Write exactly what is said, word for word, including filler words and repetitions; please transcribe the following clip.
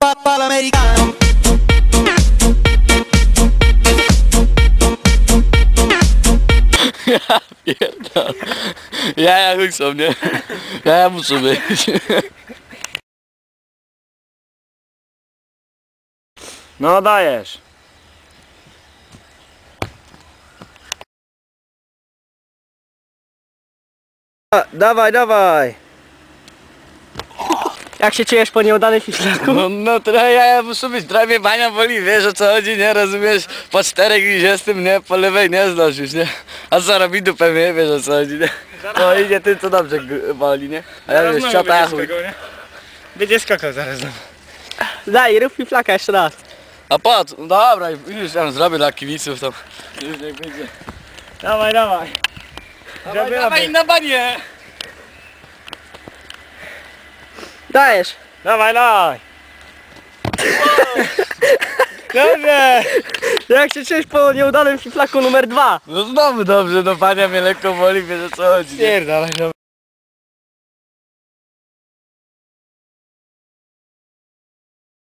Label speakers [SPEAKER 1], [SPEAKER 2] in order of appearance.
[SPEAKER 1] papà l'americano.
[SPEAKER 2] Ja pierdolę. Jaja chuj są, nie? Jaja muszą być.
[SPEAKER 3] No dajesz.
[SPEAKER 4] Dawaj, dawaj! Jak się czujesz po nieudanym fiszlaku?
[SPEAKER 2] No, no trochę jaja muszą być, trochę mnie bania boli, wiesz o co chodzi, nie? Rozumiesz? Po czterech dwudziestym, nie? Po lewej nie zdążysz, nie? A co robi dupę mnie, wiesz o co chodzi, nie? No idzie tym co dobrze boli, nie? A ja już ciota ja chuj.
[SPEAKER 3] Będzie skakał zaraz.
[SPEAKER 4] Daj, rób fiflaka jeszcze raz.
[SPEAKER 2] A po co? No dobra, już tam zrobię dla kibiców tam. Już niech będzie.
[SPEAKER 3] Dawaj, dawaj.
[SPEAKER 2] Dawaj, dawaj na banie!
[SPEAKER 4] Dajesz!
[SPEAKER 3] Dawaj, dawaj. Dobrze.
[SPEAKER 4] Jak się czujesz po nieudanym fiflaku numer dwa?
[SPEAKER 2] No znowu dobrze, no bania mnie lekko boli, wiesz o co chodzi, nie?
[SPEAKER 3] Pierdalaj,